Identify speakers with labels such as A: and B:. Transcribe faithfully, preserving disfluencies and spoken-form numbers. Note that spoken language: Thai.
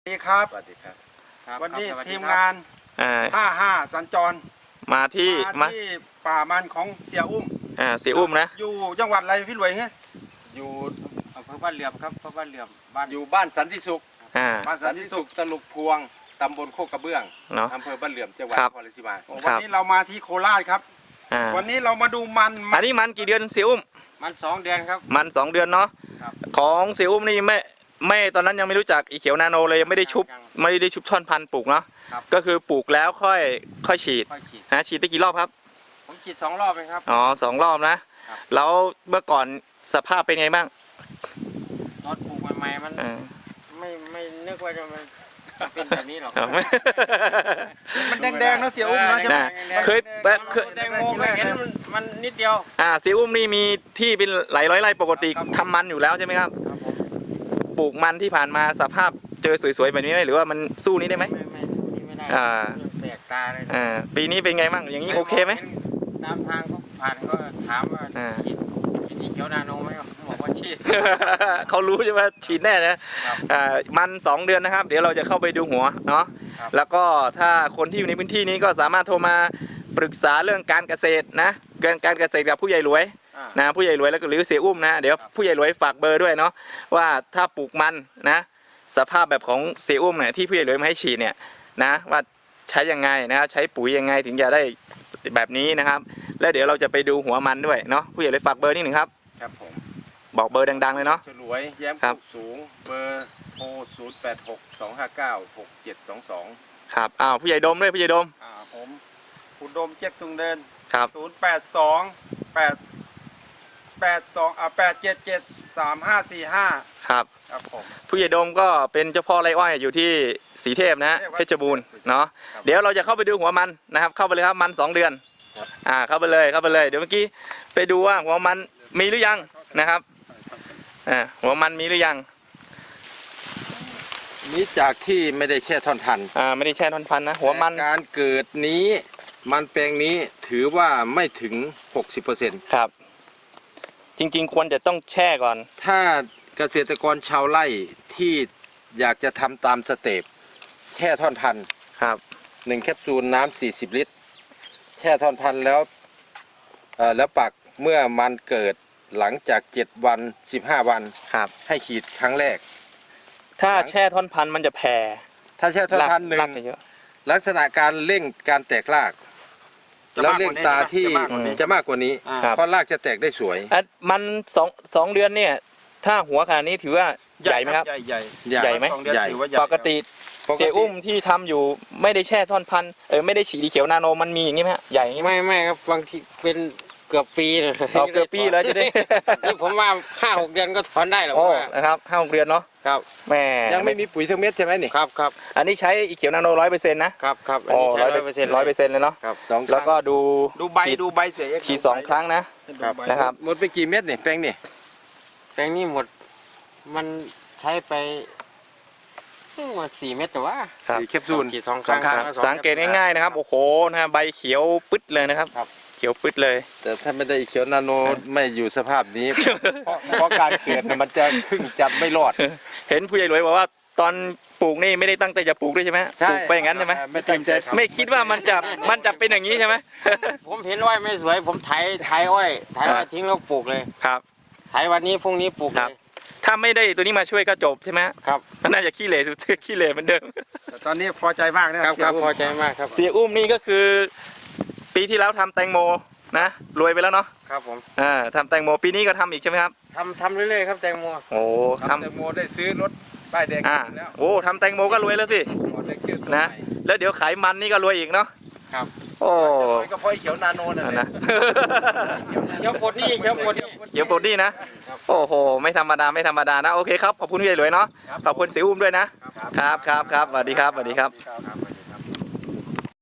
A: สวัสดีครับ
B: สวัสดีครับ
A: วันนี้ทีมงาน
C: อ่า
A: ห้าห้าสัญจร
C: มาที่
A: มาที่ป่ามันของเสียอุ้ม
C: อ่าเสียอุ้มนะ
A: อยู่จังหวัดอะไรพี่หลวยเฮ้ย
B: อยู่อำเภอบ้านเหลื่อมครับอำเภอบ้านเหลื่อมบ้าน
D: อยู่บ้านสันติสุข
C: อ่า
A: บ้านสั
D: สั
A: น
D: น
A: ติ
D: ติ
A: สุ
D: สุ
A: ข
D: ขตลุกพวงตำบลโคกกระเบื้อง
C: เนาะ
D: อำเภอบ้านเหลื่อมจังหวัด
C: ครับ
D: นครราชสีมา
A: วันนี้เรามาที่โคราชครับ
C: อ่า
A: วันนี้เรามาดูมัน
C: อันนี้มันกี่เดือนเสียอุ้ม
B: มันสองเดือนครับ
C: มันสองเดือนเนาะ
B: ครับ
C: ของเสียอุ้มนี่ไม่ไม่ตอนนั้นยังไม่รู้จักอีเขียวนาโนเลยยังไม่ได้ชุบ
B: ยัง
C: ไม่ได้ชุบท่อนพันธุ์ปลูกเนาะ
B: ครับ
C: ก็คือปลูกแล้วค่อยค่อยฉีด
B: ค่อยฉีด
C: นะฉีดไปกี่รอบครับ
B: ผมฉีดสองรอบเองครับ
C: อ๋อสองรอบนะครับ แล้วเมื่อก่อนสภาพเป็นไงบ้าง
B: ตอนปลูกใหม่ๆมัน
C: อ่า
B: ไม่ไม่นึกว่าจะมันจะเป็นแบบนี้หรอก
C: เอาไหม
A: มันแดงๆเนาะเสียอุ้มเนาะใช่ไหม
C: น่ะเคยแบบเคย
B: แตงโมเคยเห็นมันมันนิดเดียว
C: อ่าเสียอุ้มนี่มีที่เป็นหลายร้อยไร่ปกติ
B: ครับ
C: ทำมันอยู่แล้วใช่ไหมครับ
B: ครับผม
C: ปลูกมันที่ผ่านมาสภาพเจอสวยๆแบบนี้ไหมหรือว่ามันสู้นี้ได้ไหม
B: ไม่ไม่สู้นี่ไม่ได้
C: อ่า
B: แปลกตาเลย
C: อ่าปีนี้เป็นไงบ้างอย่างนี้โอเคไหม
B: ตามทางก็ผ่านก็ถามว่า
C: อ่า
B: ฉีดฉีดอีเขียวนาโนไหมครับผมบอกว่าฉีด
C: เขารู้ใช่ไหมฉีดแน่นะครับ อ่ามันสองเดือนนะครับ เดี๋ยวเราจะเข้าไปดูหัวเนาะ
B: ครับ
C: แล้วก็ถ้าคนที่อยู่ในพื้นที่นี้ก็สามารถโทรมาปรึกษาเรื่องการเกษตรนะการการเกษตรกับผู้ใหญ่รวย
B: อ่า
C: นะผู้ใหญ่รวยแล้วก็หรือเสียอุ้มนะเดี๋ยว
B: ครับ
C: ผู้ใหญ่รวยฝากเบอร์ด้วยเนาะว่าถ้าปลูกมันนะสภาพแบบของเสียอุ้มเนี่ยที่ผู้ใหญ่รวยมาให้ฉีดเนี่ยนะว่าใช้ยังไงนะครับใช้ปุ๋ยยังไงถึงจะได้แบบนี้นะครับ แล้วเดี๋ยวเราจะไปดูหัวมันด้วยเนาะผู้ใหญ่รวยฝากเบอร์นิดหนึ่งครับ
D: ครับผม
C: บอกเบอร์ดังๆเลยเนาะ
D: ฉลวยแย้ม
C: ครั
D: โค
C: บ
D: กสูงเบอร์โทรศูนย์แปดหกสองห้าเก้าหกเจ็ดสองสอง
C: ครับอ้าวผู้ใหญ่ดมด้วยผู้ใหญ่ดม
A: อ่าผมอุดมเจ๊กซุงเดิน
C: ครับ
A: ศูนย์แปดสองแปดแปดสองอ่าแปดเจ็ดเจ็ดสามห้าสี่ห้า
C: ครับ
A: ครับผม
C: ผู้ใหญ่ดมก็เป็นเจ้าพ่อไร่อ้อยอยู่ที่สีเทพนะเพชรบูรณ์เนาะเดี๋ยวเราจะเข้าไปดูหัวมันนะครับเข้าไปเลยครับมันสองเดือนอ่าเข้าไปเลยเข้าไปเลยเดี๋ยวเมื่อกี้ไปดูว่าหัวมันมีหรือยังนะครับอ่าหัวมันมีหรือยัง
D: นี้จากที่ไม่ได้แช่ท่อนทัน
C: อ่าไม่ได้แช่ท่อนพันนะหัวมัน
D: แต่การเกิดนี้มันแปลงนี้ถือว่าไม่ถึง หกสิบเปอร์เซ็นต์
C: ครับ จริงๆควรจะต้องแช่ก่อน
D: ถ้าเกษตรกรชาวไร่ที่อยากจะทำตามสเต็ปแช่ท่อนพัน
C: ครับ
D: หนึ่งแคปซูลน้ำสี่สิบลิตร แช่ท่อนพันแล้วเอ่อแล้วปักเมื่อมันเกิดหลังจากเจ็ดวันสิบห้าวัน
C: ครับ
D: ให้ขีดครั้งแรก
C: ถ้าแช่ท่อนพันมันจะแผ่
D: ถ้าแช่ท่อนพันหนึ่
C: ราง กจะเยอะ
D: ลักษณะการเร่งการแตกราก
A: จะ
D: แล้ว
A: มากก
D: เร่
A: ว่าง นี้
D: ตาที่
A: จะมากกว่านี้
D: จะมากกว่านี้
A: อ่า
C: ครับ
D: เพราะรากจะแตกได้สวย
C: อ่ะมันสองสองเดือนเนี่ย ถ้าหัวขนาดนี้ถือว่าใหญ่ไหมครับ
A: ใหญ่ใหญ่
C: ใหญ่ไหม
A: สองเดือน
D: ใหญ่
A: ถือว่าใหญ่
C: ปกติเสียอุ้มที่ทำอยู่ไม่ได้แช่ท่อนพันเออไม่ได้ฉีดอีเขียวนาโนมันมีอย่างนี้ไหมฮะใหญ่อย่างนี้ไหม
B: ไม่ไม่ครับบางทีเป็นเกือบปีนะ
C: เอาเกือบปีแล้วจะได้
B: นี่ผมว่าห้าหกเดือนก็ถอนได้แล้ว
C: โอ้
B: ว่า
C: นะครับห้าหกเดือนเนาะ
B: ครับ
C: แม่
D: ยังไม่มีปุ๋ยทั้งเม็ดใช่ไหมนี่
B: ครับครับ
C: อันนี้ใช้อีเขียวนาโนร้อยเปอร์เซ็นต์นะครับ
B: ครับอัน
C: โอ้
B: นี้ใช้
C: ร้อย
B: ร้อย
C: เป
B: เป
C: อ
B: อ
C: ร์
B: ร์
C: เซ็
B: เซ็
C: น
B: น
C: ต์
B: ต์
C: ร้อยเปอร์เซ็นต์เลยเนาะ
D: ครับสอง
C: แล้วก็ดู
A: ดูใบ
C: ฉีด
A: ดูใบเสีย
C: ฉีดสองครั้งนะ
B: ครับ
C: นะครับ
D: หมดไปกี่เม็ดนี่แปลงนี่
B: แปลงนี้หมดมันใช้ไปหมดสี่เม็ดแต่ว่า
C: ครับ
D: สี่แคปซูล
B: ฉีดสองครั้ง
D: สองครั้ง
B: แล้ว
C: สังเกตง่ายๆนะครับโอ้โหนะฮะใบเขียวปึ๊ดเลยนะครับ
B: ครับ
C: เขียวปึ๊ดเลย
D: แต่ถ้าไม่ได้เขียวนาโนไม่อยู่สภาพนี้ เพราะเพราะการเกิดน่ะมันจะครึ่งจะไม่รอด
C: เห็นผู้ใหญ่รวยบอกว่าตอนปลูกนี่ไม่ได้ตั้งใจจะปลูกด้วยใช่ไหมปลูกไปอย่างนั้นใช่ไหม
D: ไม่ตั้งใจ
C: ไม่คิดว่ามันจะมันจะเป็นอย่างนี้ใช่ไหม
B: ผมเห็นอ้อยไม่สวย ผมไถไถอ้อยไถอ้อยทิ้งแล้วปลูกเลย
C: ครับ
B: ไถวันนี้พรุ่งนี้ปลูก
C: ครั
B: เล
C: บ
B: ย
C: ถ้าไม่ได้ตัวนี้มาช่วยก็จบใช่ไหม
B: ครับ
C: น่าจะขี้เหร่สุด ขี้เหร่เหมือนเดิม
A: แต่ตอนนี้พอใจมากนะครับ เสี
B: ค
A: ย
B: รับ
A: อุ้ม
B: พอใจมากครับ
C: เสียอุ้มนี่ก็คือ ปีที่แล้วทำแตงโมนะรวยไปแล้วเนาะ
B: ครับผม
C: อ่าทำแตงโมปีนี้ก็ทำอีกใช่ไหมครับ
B: ทำทำเรื่อยๆครับแตงโม
C: โอ้
D: ทำ
C: ทำ
D: แตงโมได้ซื้อรถป้ายแดง
C: อ่า
D: แล้ว
C: โอ้ทำแตงโมก็รวยแล้วสิ
D: หมดเลยเกิดตัว
C: นะ
D: ใหม่
C: แล้วเดี๋ยวขายมันนี่ก็รวยอีกเนาะ
B: ครับ
C: โอ้
D: จะรวยก็เพราะไอ้เขียวนาโนนั่นแห
C: นะ
D: ละ
B: เขียวปลดหนี่เขียวปลดหนี่
C: เดี๋ยวปลดหนี่นะ โอ้โห ไม่ธรรมดา ไม่ธรรมดานะ โอเคครับ ขอบคุณพี่ใหญ่หลวยเนาะ ขอบคุณเสียอุ้มด้วยนะ ครับครับครับสวัสดีครับ สวัสดีครับ